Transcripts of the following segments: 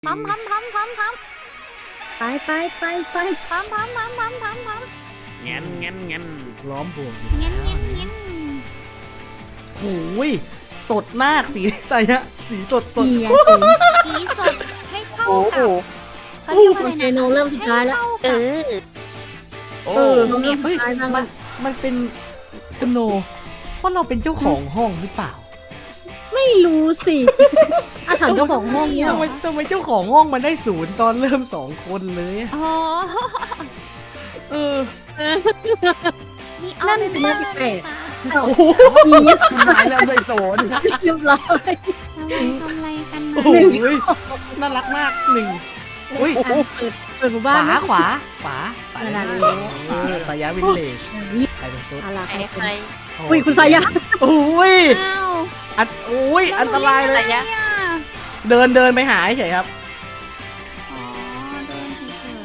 พัมพัมพัมพัมพัมไปไปพัมพัมพัมพัมพัมพัมงั้นล้อมบวกเงี้ยเงี้ยเงี้ยโอ้ยสดมากสีใสอะสีสดสีสดให้เข้ากับเขาเรียกว่าอะไรเจโนเริ่มสุดท้ายแล้วเออโอ้เราเริ่มสุดท้ายบ้างละมันเป็นคุณโนเพราะเราเป็นเจ้าของห้องหรือเปล่าไม่รู้สิอาถรรพ์เจ้าของห้องเนี่ยทำไมเจ้าของห้องมันได้0ตอนเริ่ม2คนเลยอะอ๋อเออนี่นั่นเป็นเรื่องแปลกโอ้โหคุณนายเริ่มด้วยโซนเรียบร้อยทำอะไรกันโอ้นะโหน่ารักมากหนึ่งอุ้ยเปิดหมู่ขบ้านขวาไปนั่นสายาวินเลจใครเป็นซุดอะไรใครอุ้ยคุณสายาโอ้ยอ้าวอันตรายเลยเนี่ยเดินไปหาเฉยครับอ๋อเดินเฉย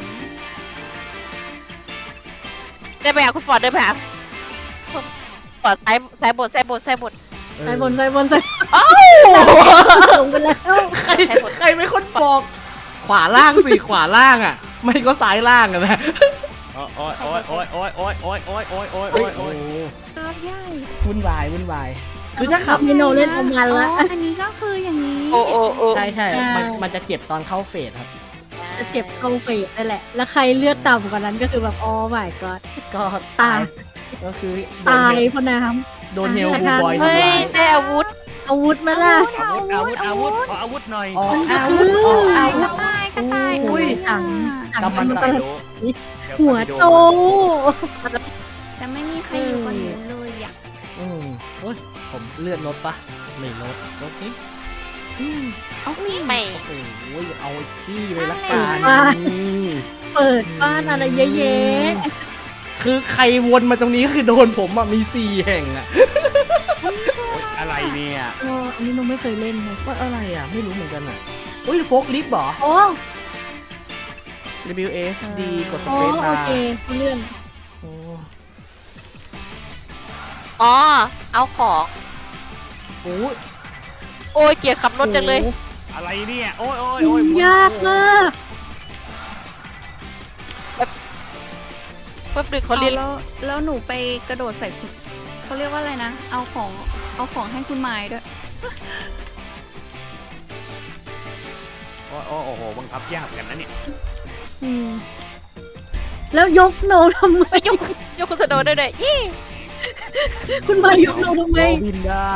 เดินไปหาคุณฟอร์ดเดินไปหาคุณฟอร์ดสายบทใส่บนลงไปแล้วใครเป็นคนบอก ขวาล่างสิขวาล่างอ่ะ ไม่ก็ซ้ายล่างอะนะโอ้ยๆครับย่ายวุ่นวายคือถ้าขับเมโนเล่นเอามันละอันนี้ก็คืออย่างนี้โอ้ใช่มันจะเจ็บตอนเข้าเฟสครับจะเจ็บเข้าเฟสนั่นแหละ แล้วใครเลือดต่ำกว่านั้นก็คือแบบอ๋อ my god ก็ตายก็คือตายเพราะน้โดนเฮลบูบอยเฮ้ทำยร้ายได้อาวุธำอาวุธมาล่ะขออาวุธหน่อยออกอาวุธกระต่ายอุ้ยถังกำมันไปตะดูหัวโตแต่ไม่มีใครอยู่บนนี้เลยอ่ะโอ้ยผมเลือดลดปะไม่ลดโอเคเอามีไม่โอ้ยเอาขี้เลยละกันเปิดบ้านอะไรเยอะแยะคือใครวนมาตรงนี้คือโดนผมอะมี4 แห่งอะอะไรเนี่ยอันนี้หนูไม่เคยเล่นเลยว่าอะไรอะไม่รู้เหมือนกันอะอุ้ยโฟกลิฟต์เหรอโอ้ WS D กดสโอ้เปซโอบาร์เคเรื่องโอ้อ๋อเอาของโหโอ้ยเกลียดขับรถจังเลยอะไรเนี่ยโอ้ยยากมากแป๊บนึงเขาเรียนแล้วหนูไปกระโดดใส่คุณเขาเรียกว่าอะไรนะ เอาของให้คุณไม้ด้วยโอ้โหบังคับยากกันนะเนี่ยแล้วยกโนทำไมไปยกคุณสโนว์ด้วยยี่คุณมายกโนทำไมบินได้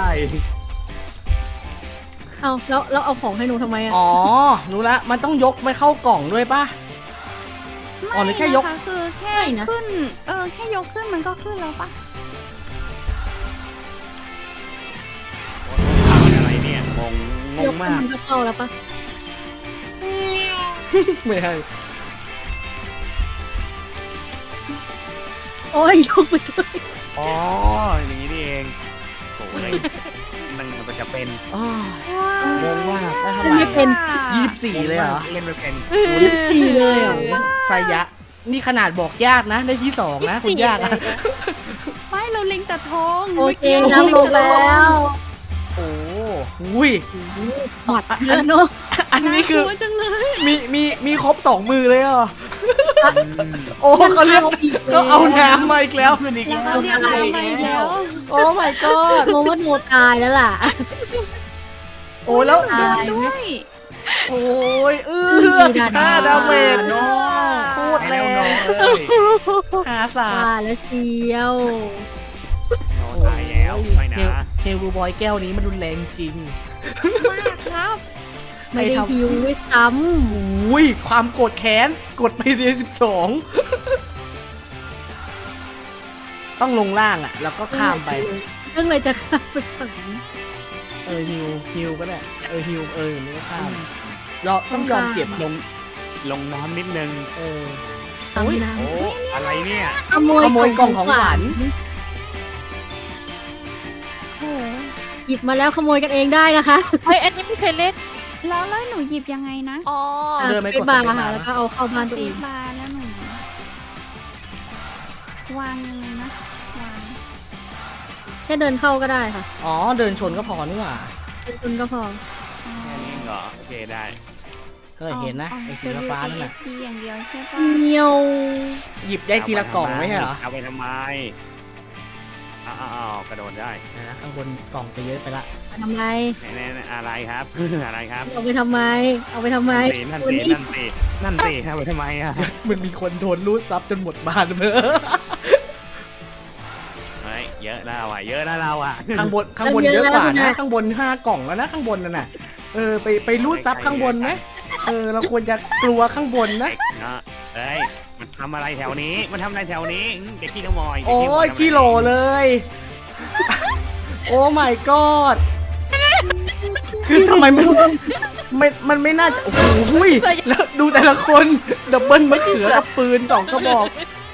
เอาแล้วเอาของให้หนูทำไมอ่ะอ๋อรู้ละมันต้องยกไปเข้ากล่องด้วยปะ อ๋อหรือแค่ยกไม่นะคะคือแค่ขึ้น แค่ยกขึ้นมันก็ขึ้นแล้วปะอะไรเนี่ยงงยกมากมันก็เข้าแล้วปะไม่ใช่โอ้ยยกไปด้วยอ๋ออย่างนี้นี่เองโอ้ยมันจะเป็นอ้อว้าวงงมากได้เท่าไหไม่ร่เป็น 24เลยเหรอเล่นไม่เป็นดีเลยเหรอไซยะ นี่ขนาดบอกยากนะ ได้ที่ 2 นะคุณยากอะไม่เราเล็งแต่ทองโอเคน้ำลงแล้วโอ้อุ้ยหมัดเยอะเนาะอันนี้คือน่ากลัวจังเลยมีครบ2 มือเลยเหรอ โอ้เขาเรียกเขาเอาน้ำมาอีกแล้วขึ้นอีกแล้แล้ว วเรียกอะไรแล้วโอ้ my god งงว่าโนตายแล้วล่ะโอ้แล้วโดนด้วยโอ้ย15 ดาเมจเนาะโคตรแรงหาศาสตว่าร์แล้วเชียวตายแล้วไม่นะเฮลบูบอยแก้วนี้มันรุนแรงจริงมากครับไม่ได้ฮิวด้วยซ้อุ้ยความโกรธแค้นกดไปเรียน12 ต้องลงล่างอ่ะ แล้วก็ำข้ามไปเรื่องอะไรจะข้ามไปฝั่งนี้ฮิวก็ได้ฮิวนี่ก็ข้ามเราต้องยอมเจ็บลงน้ำนิดนึงตามน้โอ้อะไรเนี่ยำขขโมยกล่องของขวัญโอ้โหหยิบมาแล้วขโมยกันเองได้นะคะเฮ้ยอันนี้ไม่เคยเล่นแล้วหนูหยิบยังไงนะอ๋อเดินไปกดบาร์สเปซบาร์ค่ะแล้วก็เอาเข้าบ้านตัวตีเองปลาแล้วหนูวางยังไงนะวางแค่เดินเข้าก็ได้ค่ะอ๋อเดินชนก็พอนี่หว่าเป็นคนก็พออ๋อแค่นี้เหรอโอเคได้เห็นนะไอ้สีฟ้านั่นน่ะดีอย่างเดียวใช่ปะเนียวหยิบได้ทีละกล่องไม่ใช่เหรอเอาไปทำไมอ้าวกระโดดได้นะข้างบนกล่องจะเยอะไปละไปทำไมแน่ๆอะไรครับ อะไรครับเอาไปทำไม เอาไปทำไมนั่นวันสินี้นั่นสิเอาไปทำไมอ่ะมันมีคนโดนรูดซับจนหมดบ้านเลยเฮ้ยเยอะนะว่ะเยอะนะเราอ่ะข้างบนเยอะกว่านะข้างบน5 กล่องแล้วนะข้างบนนั่นน่ะไปรูดซับข้างบนไหมเราควรจะกลัวข้างบนนะเด็กเนาะเฮ้ยมันทำอะไรแถวนี้มันทำอะไรแถวนี้เด็กขี้ขโมยโอ้ยขี้โหลเลย โอ้ my god คือทำไมมันไม่น่าจะโอ้โหแล้วดูแต่ละคนดับเบิลมะเขือกับปืน2 กระบอก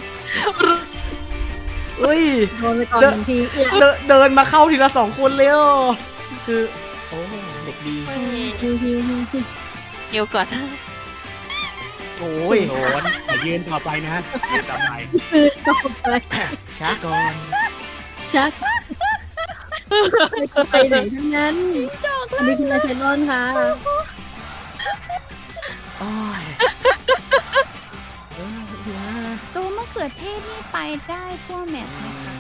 เอ้ยโดนไปก่อนหนึ่งทีเอียเดินมาเข้าทีละ2 คนเลยคือโอ้เด็กดีฮิวนิวก่อนโอ้ยโดนอย่ายืนต่อไปนะยืนต่อไปคือตกไปช้าก่อนชักไปไหนทั้งนั้นอันนี้คือลาเชนอนค่ะโอ้ยนะตัวมะเขือเทศนี่ไปได้ทั่วแมปไหมคะ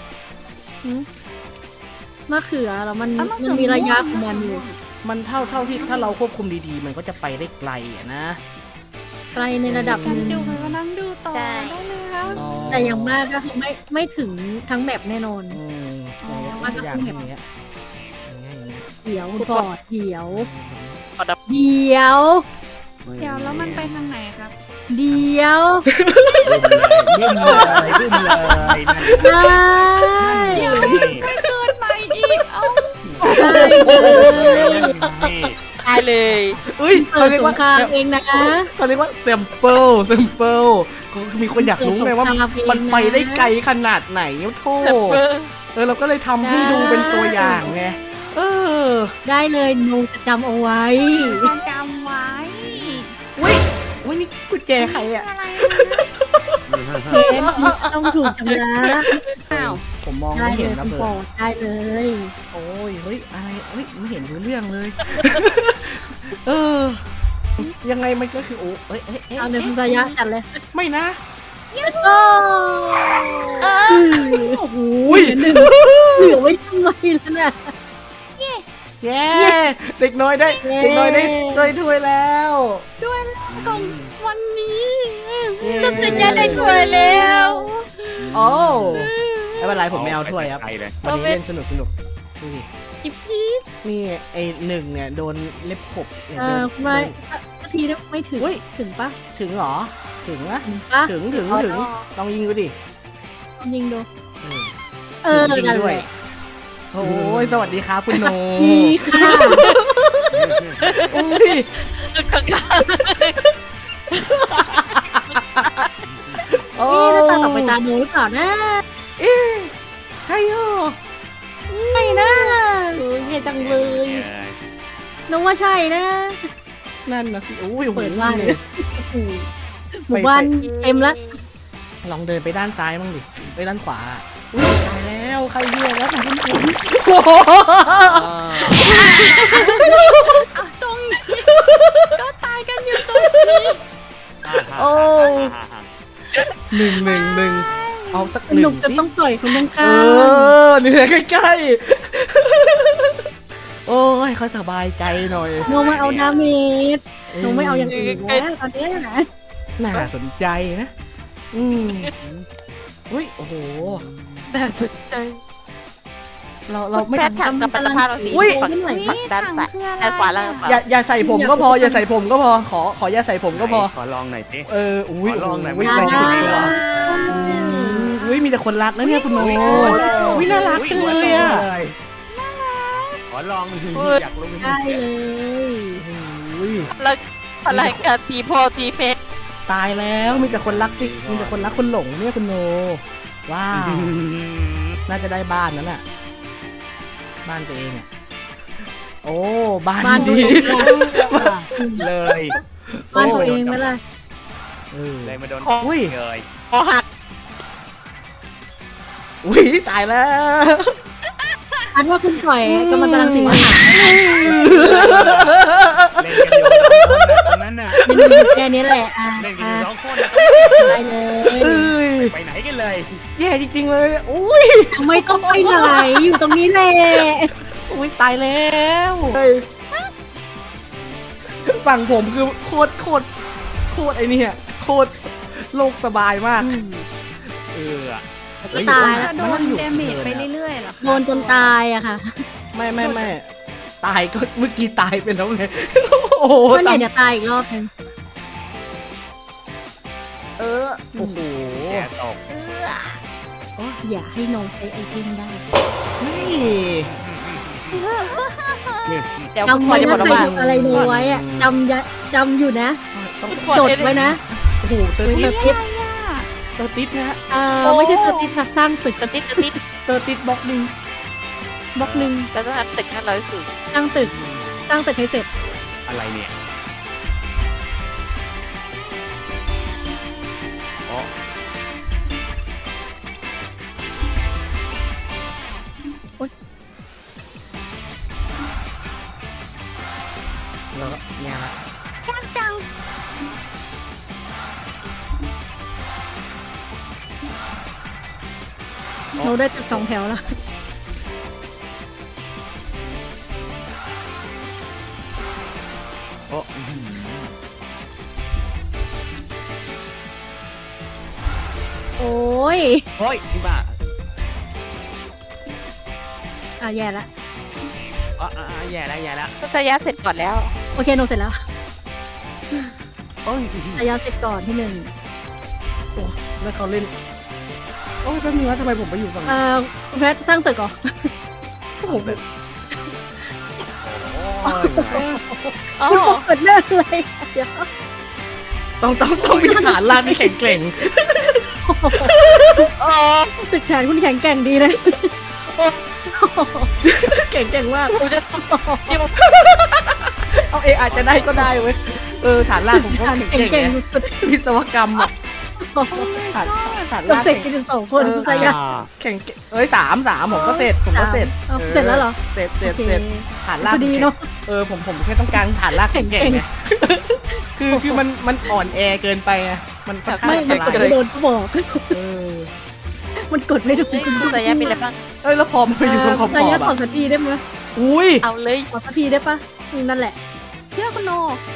มะเขือแล้วมันเอ้ามะเขืมันอมีระยะของมันอยู่มันเท่าที่ถ้าเราควบคุมดีๆ มันก็จะไปได้ไกลนะไกลในระดับหกันนึ่งดูไปมานั่งดูต่อได้เลยครับแต่อย่างมากก็คือไม่ถึงทั้งแมปแน่นอนมันก็อย่างนี้เดี๋ยวคุณฟอร์ดเดี๋ยวขอดับเดี๋ยวเดี๋ยวแล้วมันไปทางไหนครับเดี๋ยวบึ้มเลยบึ้มเลยนั่นได้เดี๋ยวนี่เกินไปอีก เอ้าได้เลยนี่ตายเลยเอ้ยเปิเขาดเรียกสงว่าครามเองนะเขาเรียกว่า sample ก็คือมีคนอยากรู้ไงว่ามันไปได้ไกลขนาดไหนโทษเราก็เลยทำให้ดูเป็นตัวอย่างไงได้เลยหนูจะจำเอาไว้จะจำไว้อุ้ยนี่กุญแจใครอ่ะอะไรเกมต้องถูกชำระอ้าวผมมองได้ไม่เลเห็นยนะคุณเบิฟอร์ร์ดได้เลยโอ้ยเฮ้ยอะไรเฮ้ยไม่เห็นรู้เรื่องเลย ยังไงมันก็คือโอ้เอาเดี๋ยวคุณสายะจัดเลยไม่นะโอ้โอ้โหเหลือไว้ทำไมล่ะเนี่ยแย่เด็กน้อยได้ถ้วยแล้วด้วยของวันนี้จะสัญญาได้ถ้วยแล้วโอ้ไม่เป็นไรผมไม่เอาถ้วยครับไปเลยวันนี้เล่นสนุกดูดิจิบจีบนี่ไอ้หนึ่งเนี่ยโดนเล็บขบเนี่ยคุณไม่นาทีไม่ถึงถึงปะถึงเหรอถึงนะถึงปะถึงลองยิงดูดิยิงดูจริงนั่นด้วแหยละโอ้ยสวัสดีครับคุณโนดีค่ะอุ้ยข้างโอ้นี่ตาต่อไปตาโน้ตก่อนนะใช่เหรอใช่นะเย่จังเลยน้องว่าใช่นะนั่นนะสิโอ้ยเปิดบ้านเลยหมู่บ้านเต็มแล้วลองเดินไปด้านซ้ายบ้างดิไปด้านขวาอุ้ยตายแล้วใครเยื่อแล้วแต่คุณคุณอ่ะตรงนี้ก็ตายกันอยู่ตรงนี้โอ้หนึ่งเอาสักหหนึ่นุ่งมจะต้องต่อยคนตรงข้ามนี่ใกล้ๆโอ้ยเขาสบายใจหน่อยน้องไม่เอาดาเมจน้องไม่เอาอย่างอื่นแล้วตอนนี้นะน่าสนใจนะอุ้ยโอ้โหๆน่าสนใจเราไม่แพทย์ถามกับปัตตภาพเราสิอุ้ยฝั่งอุ๊ยด้านถังซ้ายคืออะไรด้านขวาแล้วอย่าใส่ผมก็พออย่าใส่ผมก็พอขออย่าใส่ผมก็พอขอลองหน่อยสิอุ้ยขอลองหน่อยอุ้ยไม่ลองได้ดูเหรออุ้ยมีแต่คนรักนะเนี่ยคุณโน้อุ้ยน่ารักจังเลยอ่ะขอลองอยากรู้ได้เลยอุ้ยแล้วพลังการตีพ่อตีแม่ตายแล้วมีแต่คนรักที่มีแต่คนรักคนหลงเนี่ยคุณโนว้าว น่าจะได้บ้านนั้นน่ะ บ้านตัวเองอ่ะโอ้บ้านบ้านตัวดีเองเลยบ้านตัวเองไหมล่ะเลยมาโดนอุ้ยเลยคอหักอุ้ยตายแล้วทอันว่าคุณปล่อยกำลังตรังสีอาหารเล่นกันอยู่2 คนน่ะตรงนั้นน่ะเมนูอยู่แค่นี้แหละเล่นกันอยู่2 คนน่ะได้เลยเอ้ยไปไหนกันเลยแย่จริงๆเลยอุ้ยไม่ต้องไปไหนอยู่ตรงนี้แหละอุ้ยตายแล้วเฮ้ยฝั่งผมคือโคตรไอ้เนี่ยโคตรโลกสบายมากก็ตายแล้วจะโดนเดเมจไปเรื่อยๆเหรอคะโดนจนตายอะค่ะไม่ตายก็เมื่อกี้ตายไปแล้วไงโอ้โหก็เนี่ยเดี๋ยวตายอีกรอบนึงโอ้โหแย่ตกอย่าให้น้องใช้ไอเทมได้นี่เดี๋ยวคุณจำฟอไว้ร์ดจะบนะอกใครว่าทำอะไรโนไว้อะจำอยู่นะต้องคุณฟอร์จดดไว้นะโอ้โหเตอร์เตติอดร์ติดเตอร์ติดนะฮะไม่ใช่เตอร์ติดค่ะสร้างตึกกระติดเตอร์ติดบล็อกหนึ่งบล็อกหนึ่งแล้วต้องทำตึก500 สูงสร้างตึกให้เสร็จอะไรเนี่ยอ๋อแล้วก็เนี่ยฮะจังโนได้ตึก2 แถวแล้วโอ้โอ้ยโอ้ยพี่บ้าแย่ละแย่แล้วก็จะยะเสร็จก่อนแล้วโอเคโนเสร็จแล้วโอ้ยระยะเสร็จก่อนที่ 1 แล้วเขาเล่นโอ้ยแป๊บนึงนะทำไมผมไปอยู่ฝั่งนี้คุณแพทสร้างตึกเหรอโอ้โหอ๋อคุณเปิดเลิกเลยเดี๋ยวต้องมีฐานลากที่แข็งแกร่งอ๋อตึกแขนคุณแข็งแกร่งดีเลยแข็งแกร่งมากผมจะที่มันเอาอาจจะได้ก็ได้เว้ยฐานลากผมก็แข็งแข็งแกแกร่ร่งงไงสุดวิศวกรรมอ่ะๆฐานเราลากเสร็จกันถึง2 คนคุณสายะแข็งสามผมก็เสร็จผมก็เสร็จเสร็จแล้วเหรอเสร็จโอเคฐานลากพอดีเนาะผมแค่ต้องการฐานลากแข็งแกร่งไงคือมันอ่อนแอเกินไปไงมันค่อนข้างไม่อันมันตกดรายไม่โดนก็บอกเออมันกดไม่โดนคุณจะยะมีอะไรบ้างแล้วพอมาอยู่ตรงขอบสายะๆขออ่ะสักทีได้ไหมอุ้ยเอาเลยขอสักทีได้ปะนั่นแหละเชื่อคุณโน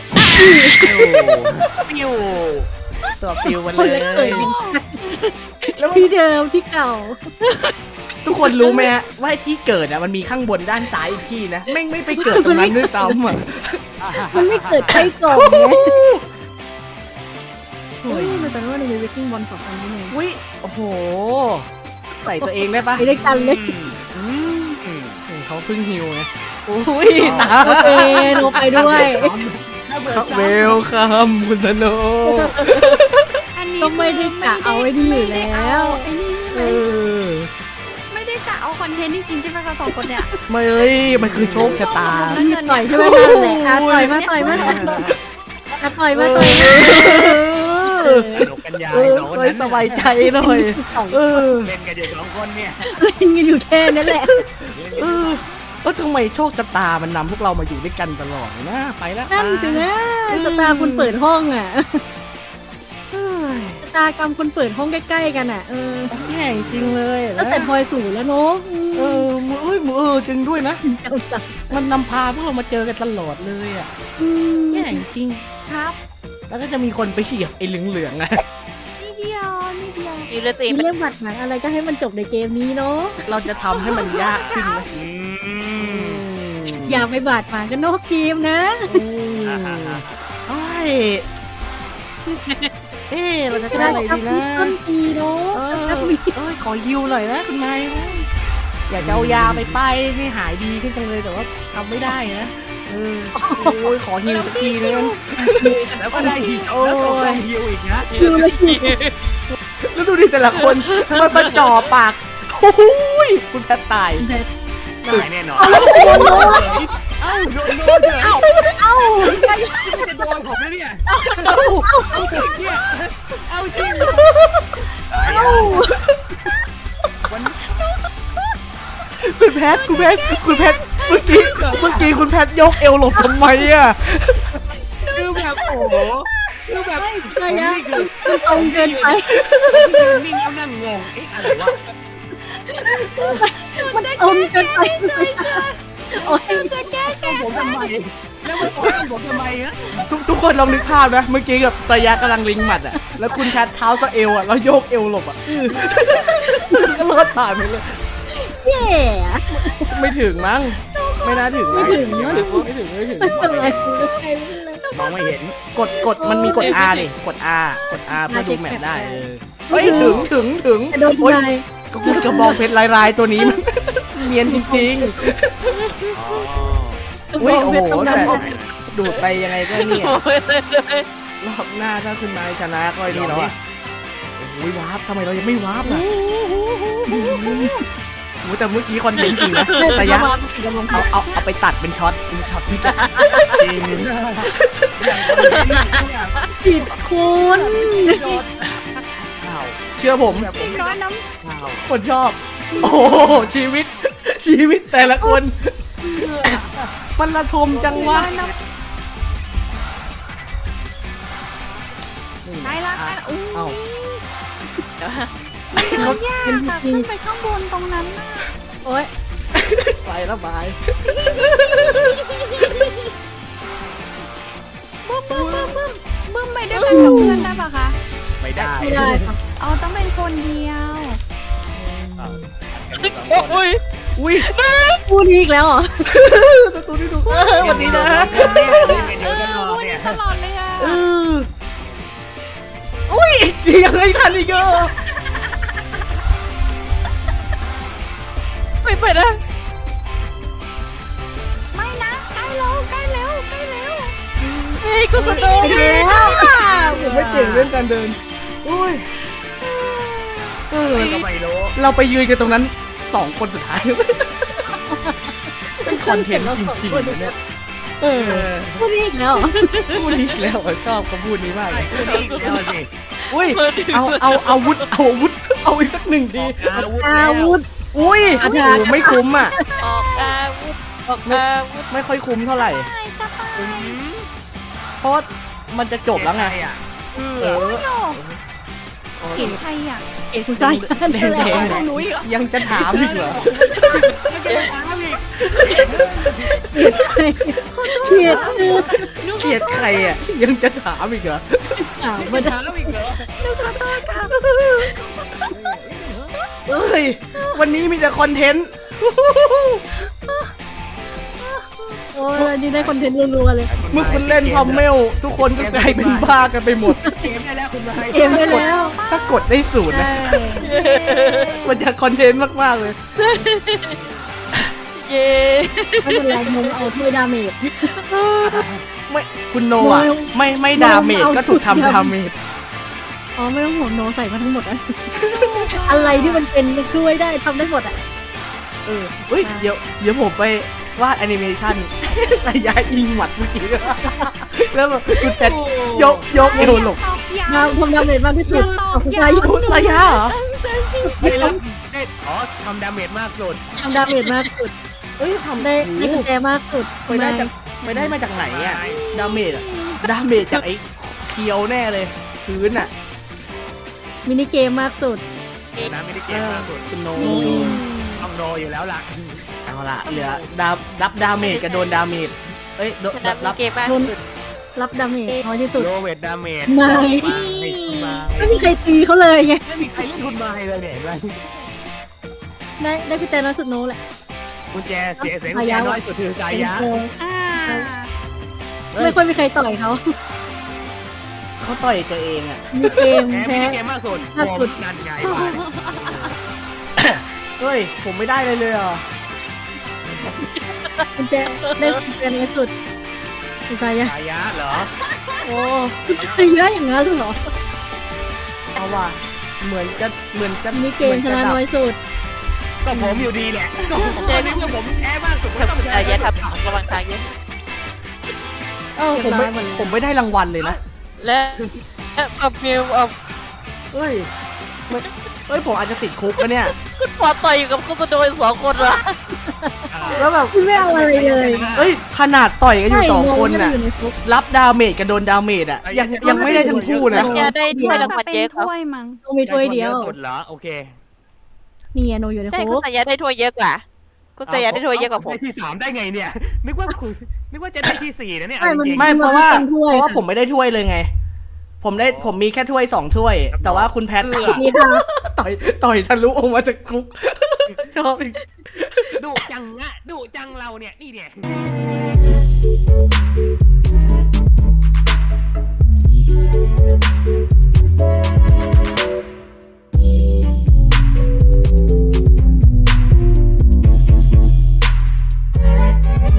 ปิ้วตัวปิวมันคนเลเล็กเกิดยแล้วที่เดิมที่เก่าทุกคนรู้ไหมฮะว่าที่เกิดอ่ะมันมีข้างบนด้านซ้ายอีกที่นะไม่ไปเกิดตรงนั้นด้วยซ้ำอ่ะมันไม่เกิดใครก่อนไงเฮ้ยมันแต่ว่าในเวกิ้งบอล2 อันนี้เองอุ้ยโอ้โหใส่ตัวเองได้ปะไปด้วยกันเลยเขาเพิ่งฮิวไงอุ้ยตาโอเคโนไปด้วยครับเวลคัมคุณสโนอันนี้ก็ไม่ได้กะเอาไว้ดีอยู่แล้วไอ้นี่ใช่ไหเอมอไม่ได้กะเอาคอนเทนต์จริงๆใช่ไหมคะ2 คนเนี่ยไม่เอ้ยมันคือโชคชะตาต่อยใช่ไหมนั่นแหละต่อยมาต่อยมาต่อยมาต่อยมาสนุกกันใหญ่เออสองคนเคยนั้นสบายใจหน่อยเออเล่นกันอยู่2 คนเนี่ยเล่นกันอยู่แค่นั้นแหละเออทำไมโชคชะตามันนำพวกเรามาอยู่ด้วยกันตลอดเลยนะไปแล้วนั่นสินะสตาร์คุณเปิดห้องอ่ะสตากรรมคนเปิดห้องใกล้ๆกันอ่ะแย่จริงเลยตั้งแต่พลอยสู่แล้วเนาะจริงด้วยนะเจ้าสักมันนำพาพวกเรามาเจอกันตลอดเลยอ่ะแย่จริงครับแล้วก็จะมีคนไปเหยียบไอ้เหลืองๆนะนิดเดียวนิดเดียวอยู่เลยตัวเองเรื่องบัตรหมายอะไรก็ให้มันจบในเกมนี้เนาะเราจะทำให้มันยากขึ้นนะอย่าไปบาดหมางกันนอกเกมนะเราจะจะได้ได้อะไรทับดีมีนะต้นปีเนาะทับมีขอฮิวหน่อยนะคุณนายอยากจะเอายาไปป้ายให้หายดีขึ้นจังเลยแต่ว่าทำไม่ได้นะขอฮิวสักทีนึงแล้วก็ได้ฮิวแล้วก็ได้ฮิวอีกนะคิวเลยแล้วดูดิแต่ละคนมันมาจ่อปากโอ้ยคุณแพทตายได้แน่นอนเอ้าโดนเถอะเอ้าจะโดนผมแล้วเนี่ยเอาจริงวันคคุณแพทเมื่อกี้คุณแพทยกเอวหลบทำไมอ่ะคือแบบโอ้โหคือแบบใช่ยะนี่คือมันตรงเกินไปนิ่งแล้วนั่งงงเอ๊ะอะไรวะมันตรงเกินไปโอ้ยจะแก้แค้นผมทำไมแล้วมันบอกผมทำไมฮะทุกคนลองนึกภาพนะเมื่อกี้กับสยะกำลังลิงหมัดอ่ะแล้วคุณแพทเท้าสะเอวอ่ะแล้วโยกเอวหลบอ่ะก็รอดผ่านไปเลยแย่ไม่ถึงมั้งไม่น่าถึงนะไม่ถึงเนอะไม่ถึงไม่เป็นไรคุณก็ใช่ไม่เป็นไรมองไม่เห็นกดมันมีกด R ดิกด R เพื่อดูแมปได้เฮ้ยถึงแต่โดนโอ้ยทำลายก็คุณกระบองเพชรลายตัวนี้มันเนียนจริงอ๋ออุ้ยโอ้โหต้องแต่ดำดูดไปยังไงก็เนี่ยโอ้ยรอบหน้าถ้าคุณนายชนะก็ไอ้นี่แล้วอ่ะโอ้ยวาร์ปทำไมเรายังไม่วาร์ปล่ะโอ้โหแต่เมื่อกี้คอนเทนต์จริงนะสยะเอาไปตัดเป็นช็อตที่จริงผิดคุณข่าวเชื่อผมแบบผมน้อยน้ข่าวคนชอบ โอ้โหชีวิตแต่ละคน มันระทมจังวะได้ละอุ้ยเอ้าเขายากอะขึ้นไปข้างบนตรงนั้นน่ะโอ้ยไปแล้วบายบึ้มไปด้วยกันกับเพื่อนได้ปะคะไม่ได้ไม่ได้ค่ะเอาต้องเป็นคนเดียวโอ้ยอุ้ยพูดอีกแล้วเหรอตัวนี้ดูสวัสดีนะเออพูดได้ตลอดเลยอะเอออุ้ยจริงยังไงทันอีกเหรอไม่ไปนะไม่นะใกล้แล้วใกล้แล้วเฮ้ยกูสุดไปแล้วผมไม่เก่งเรื่องการเดินอุ้ยก็ไม่รู้เราไปยืนกันตรงนั้น2 คนสุดท้ายเป็นคอนเทนต์จริงๆเลยเนี่ยเออพูดอีกแล้วเหรอพูดนี้อีกแล้วชอบคำพูดนี้มากเลยนี่แล้วสิอุ้ยเอาอาวุธเอาอีกสัก1 ทีอาวุธอุ้ยโอ้โหไม่คุ้มอ่ะออกอาวุธออกอาวุธไม่ค่อยคุ้มเท่าไหร่ เพราะว่ามันจะจบแล้วไงอ่ะเออเห็นใครอ่ะเอกคุณชายแดงๆยังจะถามอีกเหรอเขียดคือเกลียดใครอ่ะยังจะถามอีกเหรอถามมาได้ถามอีกเหรอเอ้ยวันนี้มีแต่คอนเทนต์โอ้ยนี่ได้คอนเทนต์รัวๆเลยเมื่อคุณเล่นพอมเมลทุกคนก็กลายเป็นบ้ากันไปหมดเกมได้แล้วคุณนายเกมได้แล้วถ้ากดได้0นะมันจะคอนเทนต์มากๆเลยเย้ไม่เป็นไรมึงเอาถ้วยดาเมจไม่คุณโนอ่ะไม่ดาเมจก็ถูกทำดาเมจอ๋อไม่ต้องห่วงโนใส่มาทั้งหมดอะอะไรที่มันเป็นช่วยได้ทำได้หมดอ่ะเฮ้ยเดี๋ยวผมไปวาดแอนิเมชันใส่ยาอิงหมัดเมื่อกี้แล้วแบบคุณเซตยกเอวหลบตอกย้มาทำดาเมจมากที่สุดเอาคุณชายคุณสายาเหรอได้แล้วได้อ๋อทำดาเมจมากสุดทำดาเมจมากสุดเอ้ยทำได้กุญแจมากสุดไปได้มาจากไหนอ่ะดาเมจอะดาเมจจากไอ้เคียวแน่เลยพื้นอ่ะมินิเกมมากสุดนะไม่ได้เกมมากสุดคุณโนต้องโดอยู่แล้วล่ะเอาละเหลือรับดาเมจกับโดนดาเมจเอ้ยดับรับเกมมากสุดรับดาเมจน้อยที่สุดโลเวทดาเมจไม่ไม่มาไม่มีใครตีเขาเลยไงไม่มีใครเล่นทุนมาเลยเนี่ยได้กุญแจน้อยสุดโนแหละกุญแจเสียกุญแจน้อยสุดคือกายะเอออ่าไม่ค่อยมีใครต่อยเขาเขาต่อยตัวเองอ่ะมีเกมแพ้แพ้ไม่ได้เกมมากสุดผมนั่นไงบ้านเฮ้ย ผมไม่ได้เลยอ่ะกุญแจได้กุญแจน้อยสุดกุญแจยะกายะเหรอโอ้กุญแจเยอะอย่างนั้นเหรอเอาว่ะเหมือนจะมีเกมชนะน้อยสุดก็ผมอยู่ดีแหละก็ผมในเมื่อผมแพ้มากสุดก็ต้องอายะแพ้ทำระวังทางเยอะผมไม่ได้รางวัลเลยนะและเอาฟิวเอาเฮ้ยเฮ้ยผมอาจจะติดคุกนะเนี่ยคุณฟอร์ดต่อยอยู่กับคุณโดน2 คนวะแล้วแบบคุณไม่เอาอะไรเลยเอ้ยขนาดต่อยกันอยู่สองคนน่ะน่ะอยู่ในคุกรับดาเมจกับโดนดาเมจอ่ะยังไม่ได้ทั้งคู่นะจะได้ถ้วยรางวัลเป็นเยอะครับถ้วยมั้งโนมีถ้วยเดียวสุดเหรอโอเคนี่ไงโนอยู่ในใช่คุคุณกสายยาได้ถ้วยเยอะกว่าคุณสายยาได้ถ้วยเยอะกว่าผมได้ที่3ได้ไงเนี่ย นึกว่าจะได้ที่4นะเนี่ยใช่มันจริงๆไม่เพราะว่าเป็นถ้วยผมไม่ได้ถ้วยเลยไง ผมมีแค่ถ้วย2 ถ้วย แต่ว่าคุณแพทนี่ค่ะต่อยทะลุออกมาจากคุก ชอบอีกดุจังเราเนี่ยนี่เนี่ย